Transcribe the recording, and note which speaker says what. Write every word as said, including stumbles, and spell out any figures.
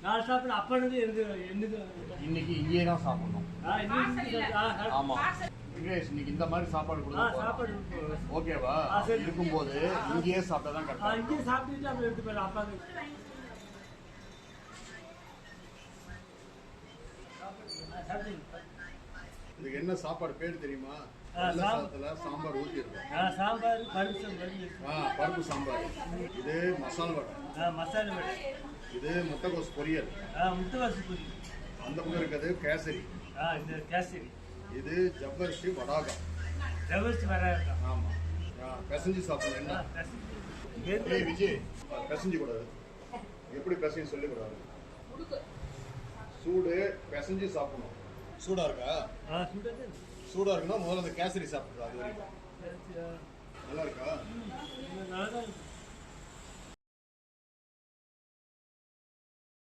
Speaker 1: நான் சாப்பிட அப்பனது இருந்து என்னது
Speaker 2: இன்னைக்கு இங்கேயே தான் சாப்பிடணும். ஆமா விக்னேஷ், இன்னைக்கு இந்த மாதிரி சாப்பாடு கொடுங்க. ஓகேவா? இருக்கும்போது இங்கேயே சாப்பிட்டா தான் கரெக்டா.
Speaker 1: இங்கேயே சாப்பிட்டுட்டு அப்புறம் எடுத்து போயிடலாம். அப்பாங்க
Speaker 2: இதுக்கு என்ன சாப்பாடு பேர் தெரியுமா? சாதத்துல சாம்பார் ஊற்றி இருக்கும்.
Speaker 1: சாம்பார் பருப்பு
Speaker 2: பருப்பு சாம்பார். இது மசாலா வடை.
Speaker 1: மசாலா வடை.
Speaker 2: இது முட்டைகோஸ் பொரியல்.
Speaker 1: முட்டைகோஸ் பொரியல்.
Speaker 2: அந்த பக்கம் இருக்கிறது கேசரி.
Speaker 1: இந்த கேசரி.
Speaker 2: இது ஜவ்வரிசி வடாகம்.
Speaker 1: ஜவ்வரிசி வடாகம்.
Speaker 2: ஆமா. பிசைஞ்சு சாப்பிடணும். என்ன விஜய் பிசைஞ்சு கூடாது. எப்படி பிசைஞ்சு சொல்லி கூடாது. சூடு பிசைஞ்சு சாப்பிடணும். சூடா இருக்கா? சூடா இருக்குன்னா முதல்ல அந்த கேசரி சாப்பிடுறது. அது நல்லா இருக்கா?